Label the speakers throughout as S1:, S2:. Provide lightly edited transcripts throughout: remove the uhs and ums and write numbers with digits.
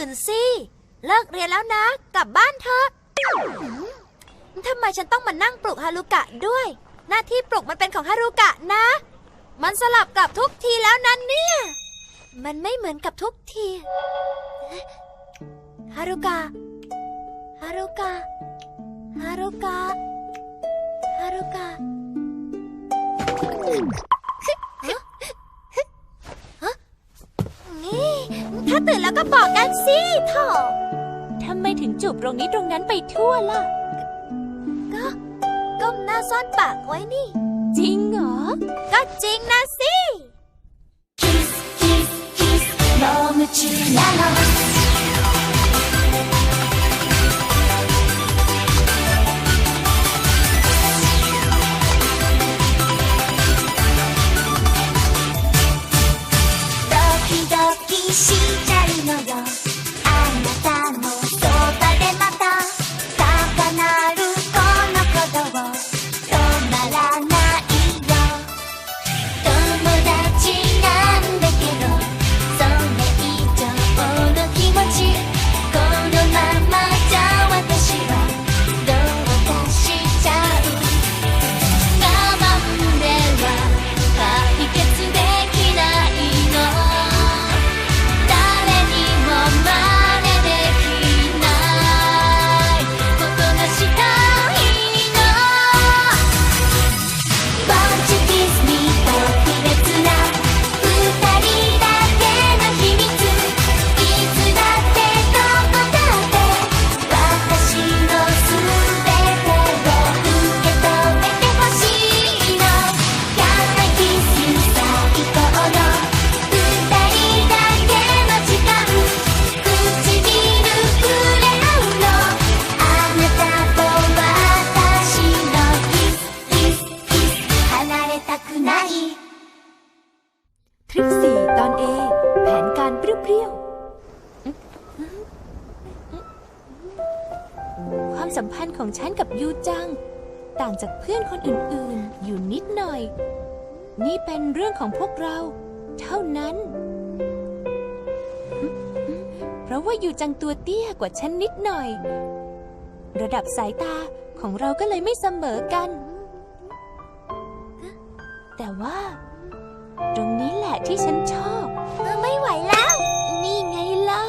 S1: นสิเลิกเรียนแล้วนะกลับบ้านเถอะทำไมฉันต้องมานั่งปลุกฮารุกะด้วยหน้าที่ปลุกมันเป็นของฮารุกะนะมันสลับกับทุกทีแล้วนั้นเนี่ยมันไม่เหมือนกับทุกทีฮารุกะฮารุกะฮารุกะฮารุกะนี่ถ้าตื่นแล้วก็บอกกันสิโถ
S2: ทำไมถึงจูบตรงนี้ตรงนั้นไปทั่วล่ะ
S1: ก็ก้มหน้าซ่อนปากไว้นี่
S2: จริงเหรอ
S1: ก็จริงนะสิ
S3: คิสคิสคิสもう夢中なのドキドキしちゃうのよあなたのそばでまた高鳴るこの鼓動止まらないよ友達なんだけどそれ以上の気持ちこのままじゃ私はどうかしちゃう我慢では解決できないの誰にも真似できないことがしたいの Won't you kiss me 特別な二人だけの秘密いつだってどこだって私のすべてを受け止めてほしいの Can I kiss you 最高の二人だけの時間唇触れ合うのあなたと私のキスキスキス離れたくない
S2: ทริป4 ตอน A แผนการเปรี้ยวๆความสัมพันธ์ของฉันกับยูจังต่างจากเพื่อนคนอื่นๆอยู่นิดหน่อยนี่เป็นเรื่องของพวกเราเท่านั้นเพราะว่ายูจังตัวเตี้ยกว่าฉันนิดหน่อยระดับสายตาของเราก็เลยไม่เสมอกันแต่ว่าตรงนี้แหละที่ฉันชอบ
S1: ไม่ไหวแล้ว
S2: นี่ไงล่ะ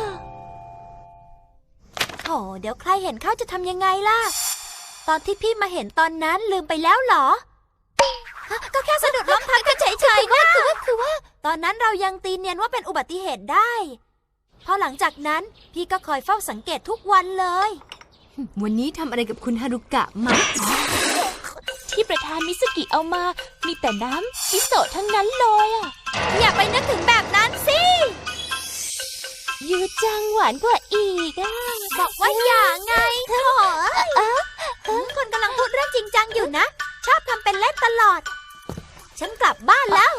S1: โถเดี๋ยวใครเห็นเข้าจะทำยังไงล่ะตอนที่พี่มาเห็นตอนนั้นลืมไปแล้วเหรอก็แค่สะดุดล้มทับกันเฉยๆนะคือว่าตอนนั้นเรายังตีเนียนว่าเป็นอุบัติเหตุได้พอหลังจากนั้นพี่ก็คอยเฝ้าสังเกตทุกวันเลย
S2: วันนี้ทำอะไรกับคุณฮารุกะมาที่ประธานมิสกิเอามามีแต่น้ำมิโซะทั้งนั้นเลยอ่ะ
S1: อย่าไปนึกถึงแบบนั้นสิ
S2: ยูจังหวานกว่าอีกอ่ะ
S1: บอกว่าอย่าไงโถ่คนกำลังพูดเรื่องจริงจังอยู่นะชอบทำเป็นเล่นตลอดฉันกลับบ้านแล้ว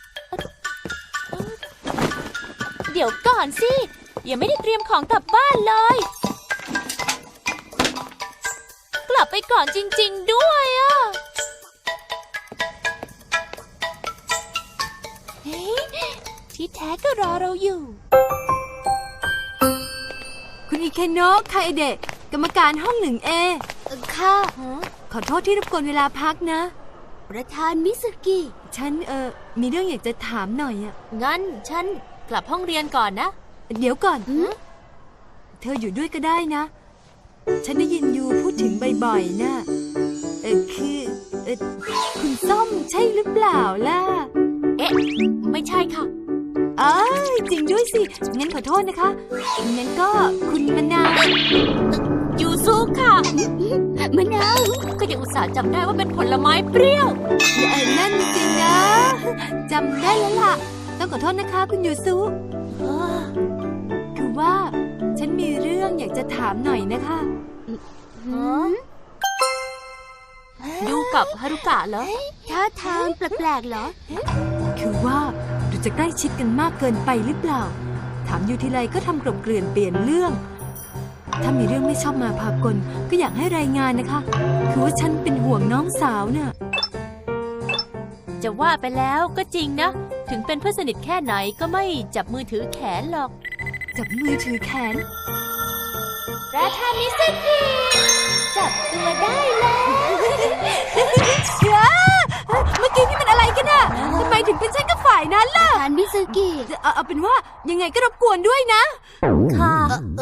S2: เดี๋ยวก่อนสิยังไม่ได้เตรียมของกลับบ้านเลยกลับไปก่อนจริงๆด้วยอ่ะที่แท้ก็รอเราอยู่คุณอิเคโนะคาเอเดะกรรมการห้อง 1A
S1: ค่ะ
S2: ขอโทษที่รบกวนเวลาพักนะ
S1: ประธานมิสกิ
S2: ฉันมีเรื่องอยากจะถามหน่อยอ่ะ
S1: งั้นฉันกลับห้องเรียนก่อนนะ
S2: เดี๋ยวก่อนเธออยู่ด้วยก็ได้นะฉันได้ยินยูพูดถึงบ่อยๆนะคือคุณส้มใช่หรือเปล่าล่ะ
S1: ไม่ใช่ค่ะ
S2: จริงด้วยสิงั้นขอโทษนะคะงั้นก็คุณมะนาว
S1: ยูซุค่ะมะนาวก็ยังอุตส่าห์จำได้ว่าเป็นผลไม้เปรี้ยว
S2: นั่นสินะจำได้แล้วล่ะต้องขอโทษนะคะคุณยูซุคือว่าฉันมีเรื่องอยากจะถามหน่อยนะคะ
S1: ยูกับฮารุกะเหรอท่าทางแปลกๆเหรอ
S2: คือว่าดูจะใกล้ชิดกันมากเกินไปหรือเปล่าถามอยู่ทีไรก็ทำกลบเกลื่อนเปลี่ยนเรื่องถ้ามีเรื่องไม่ชอบมาพากลก็อยากให้รายงานนะคะคือว่าฉันเป็นห่วงน้องสาวน่ะ
S1: จะว่าไปแล้วก็จริงนะถึงเป็นเพื่อนสนิทแค่ไหนก็ไม่จับมือถือแขนหรอก
S2: จับมือถือแขน
S1: ประธานมิสกิจับตัวได้แล้ว
S2: เมื่อกี้นี่มันอะไรกันน่ะทำไมถึงเป็นฉันกับฝ่ายนั้นล่ะ
S1: ประธานมิสกิ
S2: เอาเป็นว่ายังไงก็รบกวนด้วยนะ
S1: ค่ะ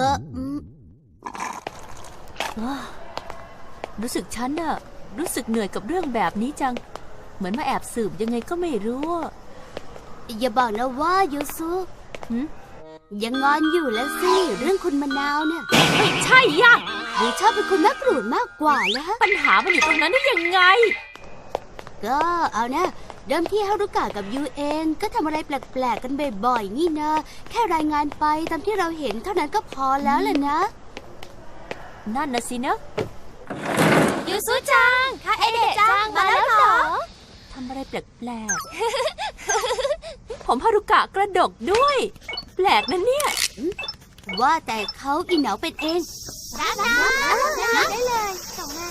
S4: รู้สึกฉันน่ะรู้สึกเหนื่อยกับเรื่องแบบนี้จัง เหมือนมาแอบสืบยังไงก็ไม่รู้อะ
S1: อย่าบอกนะว่ายูซุ
S4: หึ
S1: ยังงอนอยู่แล้วสิเรื่องคุณมะนาวเนี่ย
S4: ไม่ใช่ย่ะ
S1: หรือชอบเป็นคุณแม่กรูดมากกว่าแล้วฮะ
S4: ปัญหามันอยู่ตรงนั้นได้ยังไง
S1: ก็เอานะเดิมที่ฮารุกะกับยูเองก็ทำอะไรแปลกๆกันบ่อยๆนี่นะแค่รายงานไปตามที่เราเห็นเท่านั้นก็พอแล้วล่ะนะ
S4: นั่นนะสินะ
S1: ยูซุจังคาเอเดะจังมาแล้วเหรอ
S4: ทำอะไรแปลกๆ ผมฮารุกะกระดกด้วย แปลกนะเนี่ย
S1: ว่าแต่เขาอีเหนาเป็นเองได้เลยส่งมา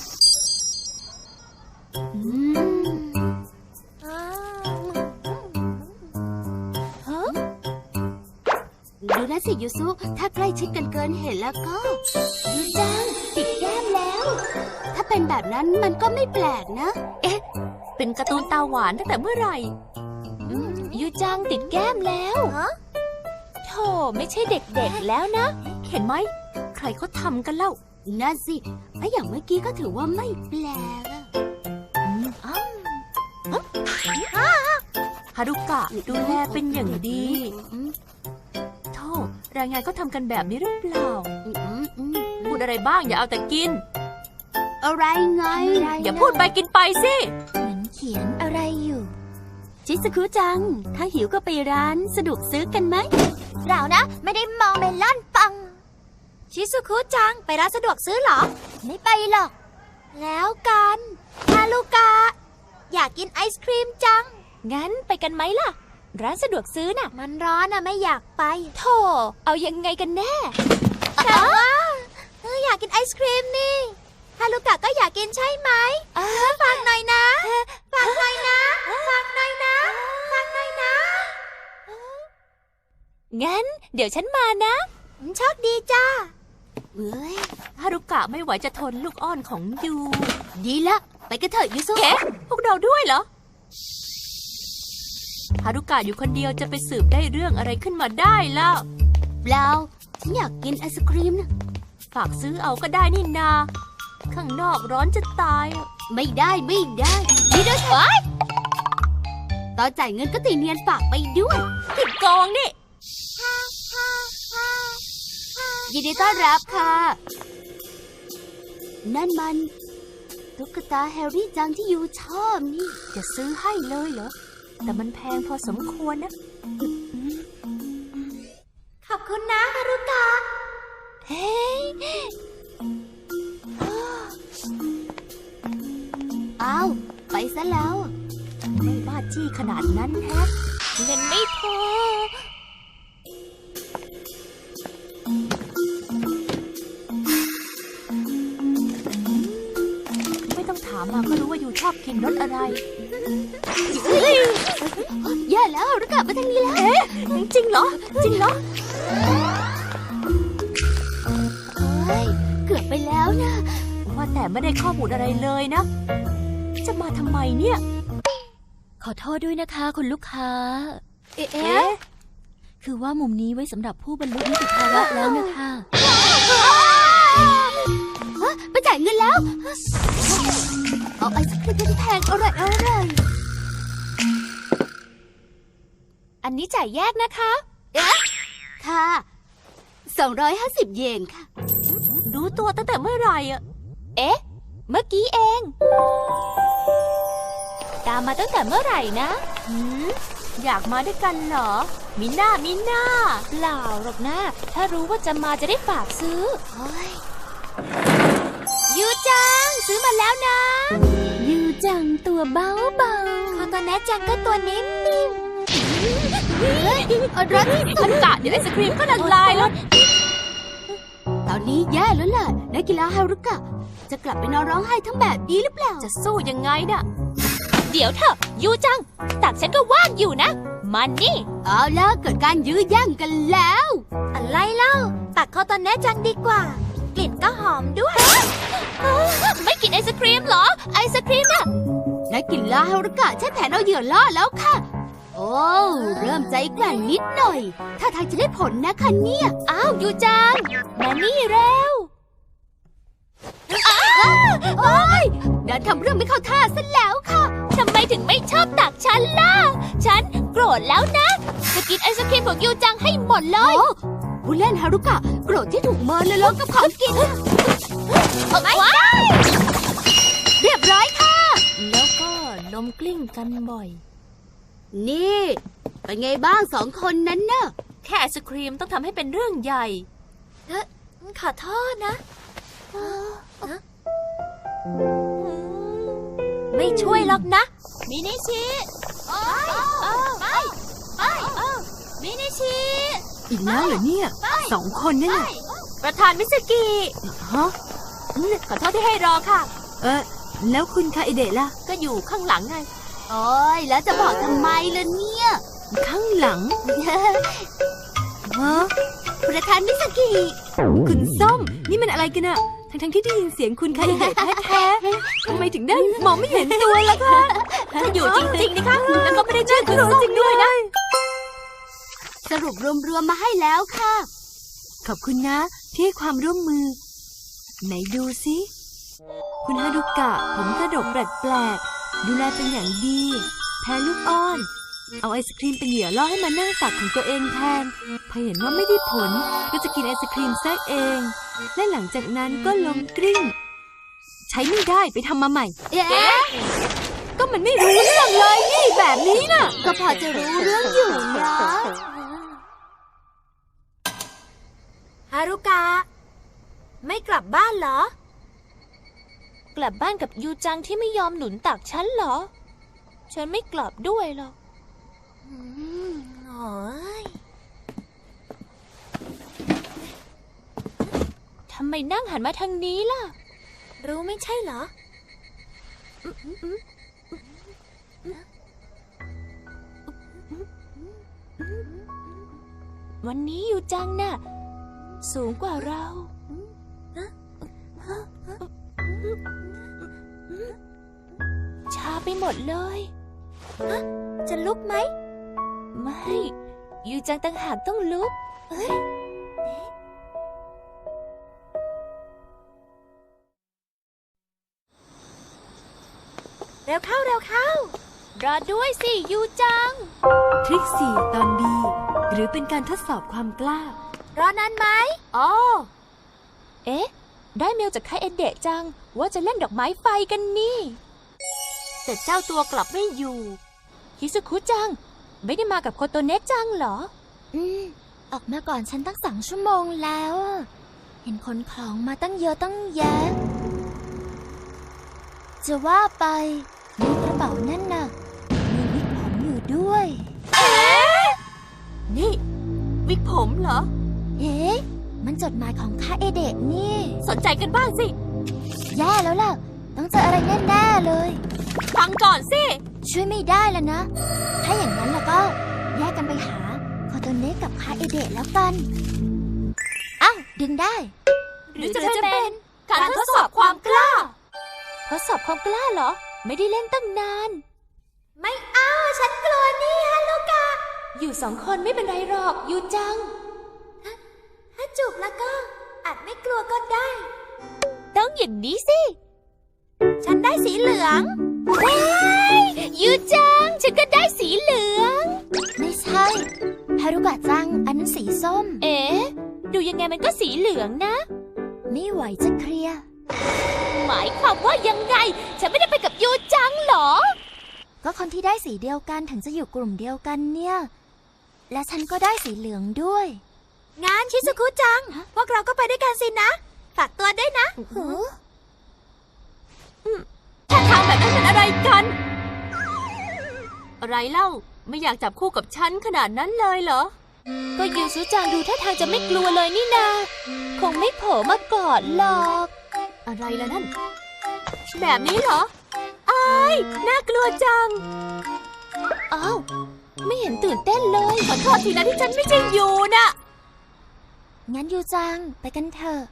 S1: ดูนะสิยูซุถ้าใกล้ชิดกันเกินเห็นแล้วก็ยูจังติดแก้มแล้ว ถ้าเป็นแบบนั้นมันก็ไม่แปลกนะ
S4: เป็นการ์ตูนตาหวานตั้งแต่เมื่อไหร่ยูจังติดแก้มแล้วโธ่ไม่ใช่เด็กๆแล้วนะ เห็นไหม ใครเขาทำกันเล่า
S1: นั่นสิไอ้อย่างเมื่อกี้ก็ถือว่าไม่แปลกอะ
S4: ฮารุกะดูแลเป็นอย่างดีโธ่รายงานก็ทำกันแบบนี้หรือเปล่า พูดอะไรบ้างอย่าเอาแต่กิน
S1: อะไรไง
S4: อย่าพูดไปกินไปสิ
S1: เหมือนเขียนอะไรอยู่ ชิซุคุจัง ถ้าหิวก็ไปร้านสะดวกซื้อกันไหมเปล่านะ ไม่ได้มองเมลอนปัง ชิซุคุจัง ไปร้านสะดวกซื้อเหรอ ไม่ไปหรอก แล้วกันฮารุกะอยากกินไอศครีมจัง
S4: งั้นไปกันไหมล่ะ ร้านสะดวกซื้อน่ะ
S1: มันร้อนอะไม่อยากไป
S4: โธ่เอายังไงกันแน่
S1: แต่ว่าอยากกินไอศครีมนี่ฮารุกะก็อยากกินใช่ไหมฟังหน่อยนะฟังหน่อยนะฟังหน่อยนะฟังหน่อยนะ
S4: งั้นเดี๋ยวฉันมานะ
S1: โชคดีจ้าเฮ้ย
S4: ฮารุกะไม่ไหวจะทนลูกอ้อนของยู
S1: ดีละไปกันเถอะยูซุ
S4: เอ๊ะพวกเราด้วยเหรอ ฮารุกะอยู่คนเดียวจะไปสืบได้เรื่องอะไรขึ้นมาได้แล้ว
S1: เปล่าฉันอยากกินไอศครีมนะ
S4: ฝากซื้อเอาก็ได้นี่นา ข้างนอกร้อนจะตายอะ
S1: ไม่ได้นี่ด้วยเถอะตอนจ่ายเงินก็ตีเนียนฝากไปด้วย
S4: ผิดกองนี่
S1: ยินดีต้อนรับค่ะ นั่นมันตุ๊กตาแฮร์รี่จังที่ยูชอบนี่
S4: จะซื้อให้เลยเหรอ แต่มันแพงพอสมควรนะ
S1: ขอบคุณนะฮารุกะ
S4: เฮ้ย
S1: อ้าวไปซะแล้ว
S4: ไม่บ้าจี้ขนาดนั้นแฮะเงินไม่พอ ไม่ต้องถามมาก็รู้ว่ายูชอบกินรสอะไร
S1: แย่แล้วฮารุกะมาทางนี้แล้ว
S4: จริงเหรอ จริงเหรอ
S1: เฮ้ยเกือบไปแล้วนะ
S4: ว่าแต่ไม่ได้ข้อมูลอะไรเลยนะ จะมาทำไมเนี่ย
S5: ขอโทษด้วยนะคะคุณลูกค้า
S4: เอ๊ะ
S5: คือว่ามุมนี้ไว้สำหรับผู้บรรลุนิติภาวะแล้วนะคะ
S1: ไปจ่ายเงินแล้ว เอาไอศครีมที่แพงอร่อย
S4: อันนี้จ่ายแยกนะคะ
S1: ค่ะ 250 เยนค่ะ
S4: รู้ตัวตั้งแต่เมื่อไหร่อะ
S5: เอ๊ะ เมื่อกี้เอง ตามมาตั้งแต่เมื่อไหร่นะ
S4: อยากมาด้วยกันเหรอ มิน่า
S5: เปล่าหรอกนะถ้ารู้ว่าจะมาจะได้ฝากซื้อ
S1: ยูจัง ซื้อมาแล้วนะ
S5: ยูจังตัวเบา
S1: คอนโตแนจังก็ตัวนิ่มๆเฮ้ยรถ
S4: มันกะเดี๋ยวไอศครีมก็ละลายแล้ว
S1: ตอนนี้แย่แล้วล่ะนักกีฬาฮารุกะ จะกลับไปนอนร้องไห้ทั้งแบบนี้หรือเปล่า
S4: จะสู้ยังไงน่ะเดี๋ยวเถอะยูจัง ตักฉันก็ว่างอยู่นะ มันนี่
S5: เอาแล้วเกิดการยื้อแย่งกันแล้ว
S1: อะไรเล่า ตักโคโตเนะจังดีกว่า กลิ่นก็หอมด้วย
S4: ไม่กินไอศครีมเหรอ ไอศครีมน่ะ
S5: นักกีฬาฮารุกะใช้แผนเอาเหยื่อล่อแล้วค่ะ โอ้เริ่มใจแกร่งนิดหน่อย ถ้าทางจะได้ผลนะคะเนี่ย
S4: อ้าวยูจัง มานี่เร็ว
S5: โอ้ยเดินทำเรื่องไม่เข้าท่าซะแล้วค่ะ
S4: ทำไมถึงไม่ชอบตักฉันล่ะ ฉันโกรธแล้วนะ จะกินไอศครีมของยูจังให้หมดเลย
S5: โอ้ผู้เล่นฮารุกะโกรธที่ถูกเมินเลยล้มกับของกินน่ะ
S4: ว้าย
S5: เรียบร้อยค่ะ
S4: แล้วก็ล้มกลิ้งกันบ่อย
S5: นี่เป็นไงบ้างสองคนนั้นน่ะ
S4: แค่ไอศครีมต้องทำให้เป็นเรื่องใหญ่
S1: ขอโทษนะ ไม่ช่วยหรอกนะ
S4: มินิชิมินิชิ
S2: อีกแล้วเหรอเนี่ยสองคนนั่นน่ะ
S4: ประธานมิสกิ
S2: ฮะ
S4: ขอโทษที่ให้รอค่ะ
S2: แล้วคุณคาอิเดะล่ะ
S4: ก็อยู่ข้างหลังไง
S5: โอ้ยแล้วจะบอกทำไมล่ะเนี่ย
S2: ข้างหลังฮะ
S5: ประธานมิสกิ
S2: คุณส้มนี่มันอะไรกันอะทั้งที่ได้ยินเสียงคุณคาอิเดะแท้ๆทำไมถึงได้มองไม่เห็นตัวล่ะคะ
S4: ถ้าอยู่จริงๆนะคะแล้วก็ไม่ได้ชื่อคุณส้มด้วยนะ
S5: สรุปรวมๆมาให้แล้วค่ะ
S2: ขอบคุณนะที่ให้ความร่วมมือ ไหนดูสิคุณฮารุกะผมกระดกแปลกๆดูแลเป็นอย่างดีแพ้ลูกอ้อน เอาไอศครีมเป็นเหยื่อล่อให้มานั่งตักของตัวเองแทนพอเห็นว่าไม่ได้ผลก็จะกินไอศครีมซะเองและหลังจากนั้นก็ล้มกลิ้งใช้ไม่ได้ไปทำมาใหม่
S5: เอ๊ะ
S2: ก็มันไม่รู้เรื่องเลยนี่แบบนี้น่ะ
S5: ก็พอจะรู้เรื่องอยู่นะ
S1: ฮารุกะ ไม่กลับบ้านเหรอ
S4: กลับบ้านกับยูจังที่ไม่ยอมหนุนตักฉันเหรอ ฉันไม่กลับด้วยหรอก
S1: โอ้ย
S4: ทำไมนั่งหันมาทางนี้ล่ะ
S1: รู้ไม่ใช่เหรอ
S4: วันนี้ยูจังน่ะ สูงกว่าเรา ชาไปหมดเลย
S1: จะลุกไหม
S4: ไม่ ยูจังต่างหากต้องลุก
S1: เร็วเข้าเร็วเข้า
S4: รอด้วยสิยูจัง
S2: ทริค4ตอนดีหรือเป็นการทดสอบความกล้า
S1: รอนานไหม
S4: อ๋อ เอ๊ะ ได้เมลจากคาเอเดะจัง ว่าจะเล่นดอกไม้ไฟกันนี่ แต่เจ้าตัวกลับไม่อยู่ฮิซุคุจัง ไม่ได้มากับโคโตเนะจังเหรอ
S1: ออกมาก่อนฉันตั้ง2 ชั่วโมงแล้วอะเห็นขนของมาตั้งเยอะตั้งแยะ จะว่าไปในกระเป๋านั่นน่ะ มีวิกผมอยู่ด้วย
S4: นี่ วิกผมเหรอ
S1: เอ๊ะ มันจดหมายของคาเอเดะนี่
S4: สนใจกันบ้างสิ
S1: แย่แล้วล่ะ ต้องเจออะไรแน่ๆเลย
S4: ฟังก่อนสิ
S1: ช่วยไม่ได้แล้วนะ ถ้าอย่างนั้นแล้วก็แยกกันไปหาโคโตเนะกับคาเอเดะแล้วกัน อ้าว ดึงได้
S4: หรือจะเป็นการทดสอบความกล้า ทดสอบความกล้าเหรอ ไม่ได้เล่นตั้งนาน
S1: ไม่เอาฉันกลัวนี่ฮารุกะ
S4: อยู่2 คนไม่เป็นไรหรอกยูจัง
S1: ถ้าจูบแล้วก็อาจไม่กลัวก็ได้
S4: ต้องอย่างนี้สิ
S1: ฉันได้สีเหลือง
S4: ยูจัง ฉันก็ได้สีเหลือง
S1: ไม่ใช่ฮารุกะจัง อันนั้นสีส้ม
S4: เอ๊ะ ดูยังไงมันก็สีเหลืองนะ
S1: ไม่ไหวจะเคลียร์
S4: หมายความว่ายังไง ฉันไม่ได้ไปกับยูจังเหรอ
S1: ก็คนที่ได้สีเดียวกันถึงจะอยู่กลุ่มเดียวกันเนี่ย และฉันก็ได้สีเหลืองด้วย งานชิซุคุจัง พวกเราก็ไปด้วยกันสินะ ฝากตัวด้วยนะ
S4: ถ้าทางแบบนั้นเป็นอะไรกัน อะไรเล่า ไม่อยากจับคู่กับฉันขนาดนั้นเลยเหรอ ก็ยูซุจังดูท่าทางจะไม่กลัวเลยนี่นา คงไม่โผล่มากอดหรอก อะไรล่ะนั่น แบบนี้เหรอ อ้า
S2: น่ากลัวจัง
S4: อ้าว ไม่เห็นตื่นเต้นเลย
S5: ขอโทษทีนะที่ฉันไม่ใช่ยูนะ
S1: งั้นยูจังไปกันเถอะ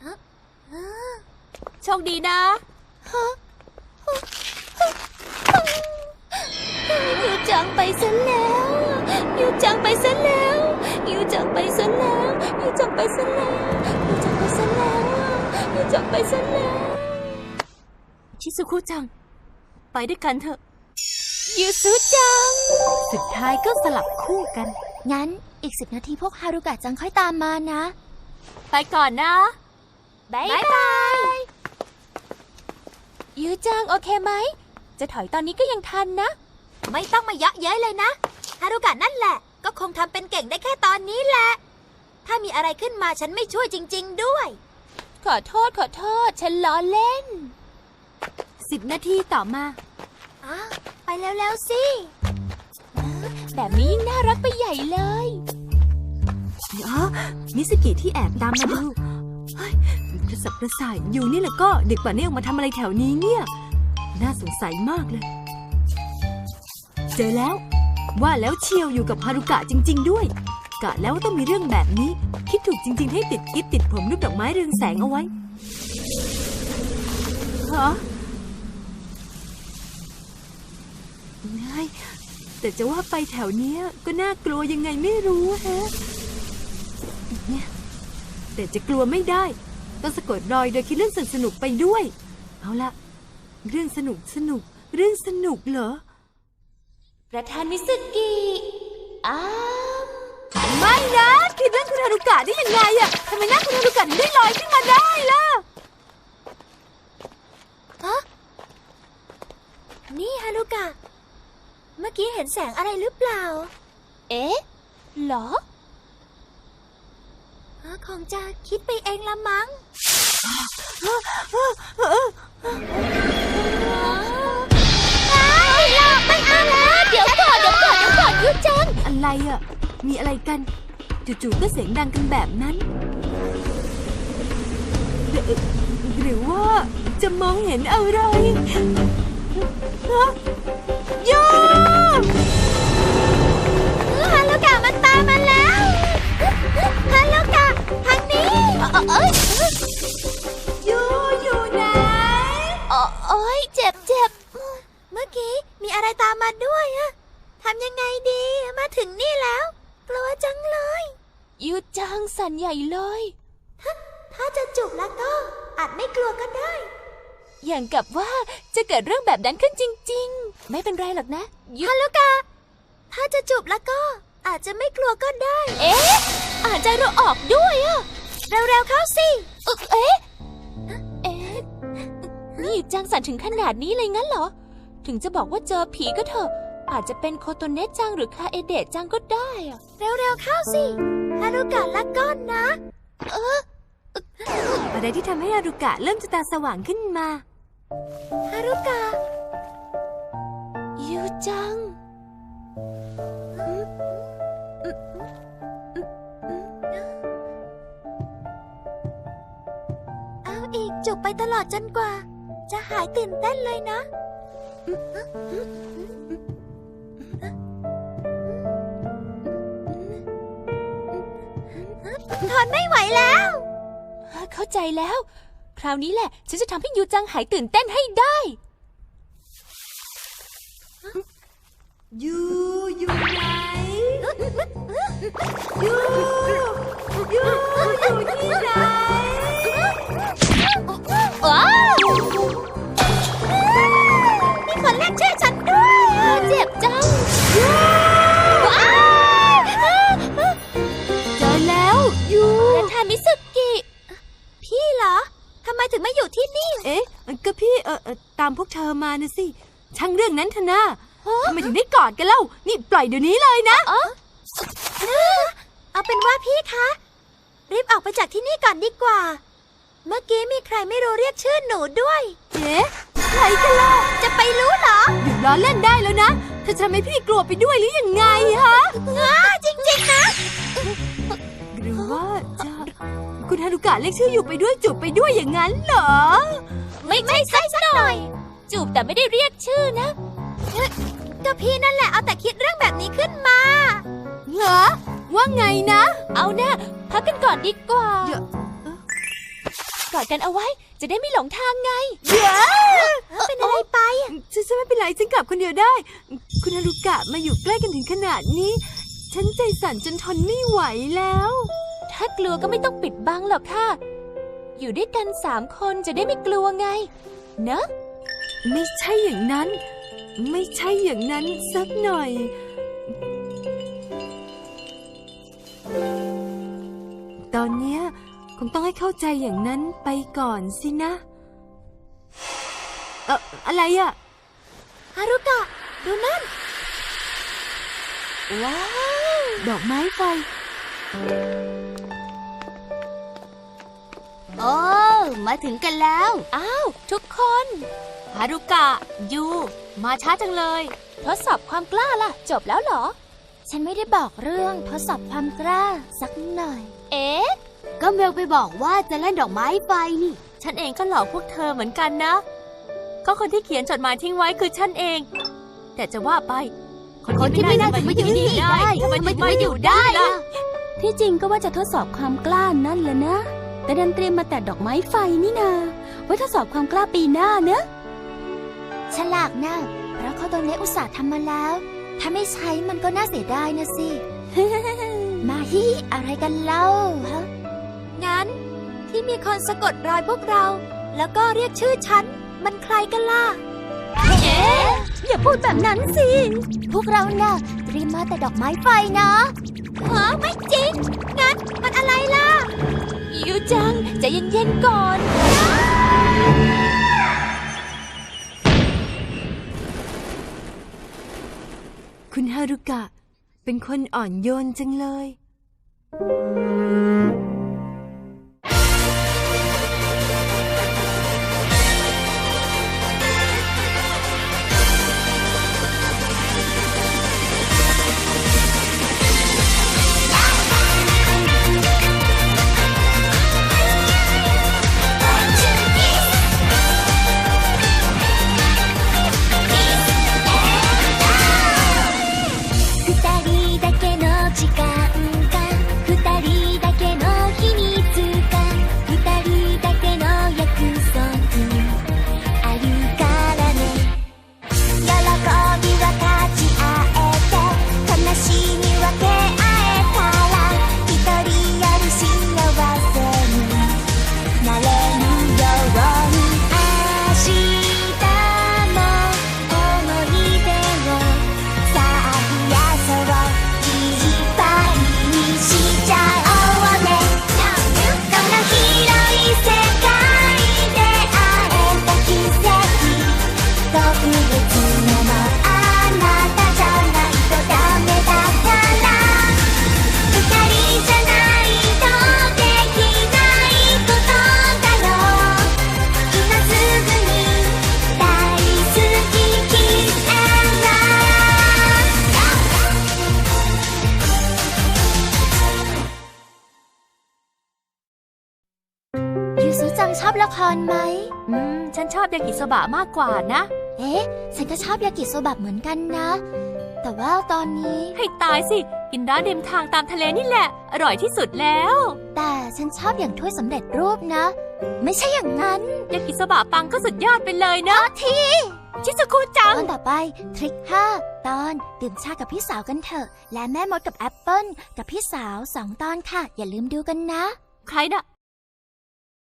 S5: โชคดีนะ
S4: ยูจังไปซะแล้วยูจังไปซะแล้วยูจังไปซะแล้วยูจังไปซะแล้วยูจังไปซะแล้วยูจังไปซะแล้ว
S2: ชิซุคุจัง ไปด้วยกันเถอะ
S4: ยูซุจัง
S2: สุดท้ายก็สลับคู่กัน
S1: งั้นอีก10 นาทีพวกฮารุกะจังค่อยตามมานะ
S5: ไปก่อนนะ
S4: บ๊ายบายยูจังโอเคไหม จะถอยตอนนี้ก็ยังทันนะ
S1: ไม่ต้องมาเยาะเย้ยเลยนะฮารุกะนั่นแหละ ก็คงทำเป็นเก่งได้แค่ตอนนี้แหละ ถ้ามีอะไรขึ้นมาฉันไม่ช่วยจริง ๆ ด้วย
S4: ขอโทษฉันล้อเล่น
S2: 10 นาทีต่อมา
S1: อ้าวไปแล้วๆสิ
S4: แบบนี้ยิ่งน่ารักไปใหญ่เลย
S2: อ๋อมิสกิที่แอบตามมาดูเฮ้ยกระสับกระส่ายอยู่นี่แหละก็เด็กป่านนี้ออกมาทำอะไรแถวนี้เนี่ย น่าสงสัยมากเลย เจอแล้ว ว่าแล้วเชียวอยู่กับฮารุกะจริง ๆ ด้วย กะแล้วว่าต้องมีเรื่องแบบนี้ คิดถูกจริง ๆ ให้ติดกิ๊บติดผมรูปดอกไม้เรืองแสงเอาไว้ฮะไงแต่จะว่าไปแถวเนี้ยก็น่ากลัวยังไงไม่รู้ฮะเนี่ยแต่จะกลัวไม่ได้ต้องสะกดรอยโดยคิดเรื่องสนุกๆไปด้วย เอาละเรื่องสนุกเรื่องสนุกเหรอ
S4: ประธานมิสึกิอ้าว
S2: ไม่นะคิดเรื่องคุณฮารุกะได้ยังไงอะทำไมหน้าคุณฮารุกะถึงได้ลอยขึ้นมาได้ล่ะ
S1: นี่ฮารุกะ เมื่อกี้เห็นแสงอะไรหรือเปล่า
S4: เอ๊ะเหรอ
S1: คงจะคิดไปเองละมั้ง
S4: ไม่เอาแล้วเดี๋ยวก่อนยูจัง
S2: อะไรอะมีอะไรกันจู่ๆก็เสียงดังกันแบบนั้นหรือว่าจะมองเห็นอะไรฮะโย
S1: ฮารุกะมันตามมาแล้วฮารุกะทางนี้
S2: โยอยู่ไหน
S4: โอ๊ยเจ็บ
S1: เมื่อกี้มีอะไรตามมาด้วยอะทำยังไงดี มาถึงนี่แล้ว กลัวจังเลย
S4: ยูจังสั่นใหญ่เลย
S1: ถ้าจะจูบแล้วก็อาจไม่กลัวก็ได้
S4: อย่างกับว่าจะเกิดเรื่องแบบนั้นขึ้นจริงๆ ไม่เป็นไรหรอกนะยู
S1: ฮารุกะ ถ้าจะจูบแล้วก็อาจจะไม่กลัวก็ได้
S4: เอ๊ะอ่านใจเราออกด้วยอะ
S1: เร็วๆเข้าสิ
S4: เอ๊ะนี่จังสั่นถึงขนาดนี้เลยงั้นเหรอ ถึงจะบอกว่าเจอผีก็เถอะ อาจจะเป็นโคโตเนะจังหรือคาเอเดะจังก็ได้อะ
S1: เร็วๆเข้าสิฮารุกะละก้อนนะ
S2: อะไรที่ทำให้ฮารุกะเริ่มจะตาสว่างขึ้นมา
S1: ฮารุกะ
S4: ยูจัง
S1: เอาอีกจูบไปตลอดจนกว่า จะหายตื่นเต้นเลยนะ ทนไม่ไหวแล้ว
S4: เข้าใจแล้ว คราวนี้แหละ ฉันจะทำให้ยูจังหายตื่นเต้นให้ได้
S2: อยู่ไหนอยู่ที่ไหน
S4: ว้าว
S1: มีคนเรียกชื่อฉันด้วยอะ
S4: เจ็บจัง ว้าว
S2: เจอแล้วอยู่
S4: ประธานมิสึกิ
S1: พี่เหรอ ทำไมถึงไม่อยู่ที่นี่
S2: เอ๊ะก็พี่ตามพวกเธอมานะสิช่างเรื่องนั้นเถอะนะทำไมถึงได้กอดกันเล่านี่ปล่อยเดี๋ยวนี้เลยนะ
S1: เอาเป็นว่าพี่คะ รีบออกไปจากที่นี่ก่อนดีกว่า เมื่อกี้มีใครไม่รู้เรียกชื่อหนูด้วย
S2: เอ๊ะใครกันล่ะ
S1: จะไปรู้เหรอ
S2: หยุดล้อเล่นได้แล้วนะเธอจะทำให้พี่กลัวไปด้วยหรือยังไงฮะ
S1: จริงๆนะ
S2: หรือว่าจะคุณฮารุกะเรียกชื่ออยู่ไปด้วยจูบไปด้วยอย่างนั้นเหรอ
S1: ไม่ใช่สักหน่อย
S4: จูบแต่ไม่ได้เรียกชื่อนะ
S1: ก็พี่นั่นแหละเอาแต่คิดเรื่องแบบนี้ขึ้นมา
S2: เหรอ ว่าไงนะ
S4: เอานะพักกันก่อนดีกว่า
S2: เดี๋ยว
S4: กอดกันเอาไว้จะได้ไม่หลงทางไง
S1: เป็นอะไรไป
S2: ฉันไม่เป็นไรฉันกลับคนเดียวได้ คุณฮารุกะมาอยู่ใกล้กันถึงขนาดนี้ ฉันใจสั่นจนทนไม่ไหวแล้ว
S4: ถ้ากลัวก็ไม่ต้องปิดบังหรอกค่ะ อยู่ด้วยกัน3 คนจะได้ไม่กลัวไง เนอะ
S2: ไม่ใช่อย่างนั้น ไม่ใช่อย่างนั้นสักหน่อย ตอนเนี้ยคงต้องให้เข้าใจอย่างนั้นไปก่อนสินะ อะไรอะ
S1: ฮารุกะ ดูนั่น
S4: ว้าว
S2: ดอกไม้ไฟ
S5: โอ้มาถึงกันแล้ว
S4: อ้าว ทุกคน
S2: ฮารุกะ ยู มาช้าจังเลย
S4: ทดสอบความกล้าล่ะ จบแล้วเหรอ
S1: ฉันไม่ได้บอกเรื่องทดสอบความกล้าสักหน่อย
S4: เอ๊ะ
S5: ก็เมลไปบอกว่าจะเล่นดอกไม้ไฟนี่
S2: ฉันเองก็หลอกพวกเธอเหมือนกันนะ ก็คนที่เขียนจดหมายทิ้งไว้คือฉันเอง แต่จะว่าไป
S5: คนที่ไม่น่าจะมาอยู่นี่ได้ทำไมถึงมาอยู่ได้ล่ะ
S6: ที่จริงก็ว่าจะทดสอบความกล้านั่นแหละนะ แต่ดันเตรียมมาแต่ดอกไม้ไฟนี่นา ไว้ทดสอบความกล้าปีหน้าเนอะ
S1: ฉลากนะเพราะเขาโดนเนอุตส่าห์ทำมาแล้ว ถ้าไม่ใช้มันก็น่าเสียดายนะสิ มาฮิอะไรกันเล่าฮะ งั้น ที่มีคนสะกดรอยพวกเรา แล้วก็เรียกชื่อฉัน มันใครกันล่ะ
S6: อย่าพูดแบบนั้นสิ
S1: พวกเราน่ะเตรียมมาแต่ดอกไม้ไฟนะฮะไม่จริง งั้นมันอะไรล่ะ
S4: ยูจังใจเย็นๆก่อน
S2: คุณฮารุกะ เป็นคนอ่อนโยนจังเลย
S3: 二人だけの時間か二人だけの秘密か二人だけの約束あるからね喜び分かち合えて悲しみ分け合えたら一人より幸せになれるように明日も思い出をさあ増やそういっぱいにしちゃおうねこの広い世界で会えた奇跡特別なのあなたじゃないとダメだから二人じゃないとできないことだよ今すぐに大好き Kiss and Love
S1: ยูซุจังชอบละครไหม
S2: ฉันชอบยากิโซบะมากกว่านะ
S1: เอ๊ะ ฉันก็ชอบยากิโซบะเหมือนกันนะ แต่ว่าตอนนี้
S2: ให้ตายสิ กินร้านริมทางตามทะเลนี่แหละ อร่อยที่สุดแล้ว
S1: แต่ฉันชอบอย่างถ้วยสำเร็จรูปนะ ไม่ใช่อย่างนั้น
S2: ยากิโซบะปังก็สุดยอดไปเลยนะ
S1: ที
S2: ชิซุคุจัง
S1: ตอนต่อไปทริค5 ตอนดื่มชากับพี่สาวกันเถอะ และแม่มดกับแอปเปิ้ลกับพี่สาว2 ตอนค่ะ อย่าลืมดูกันนะ
S2: ใครน่ะ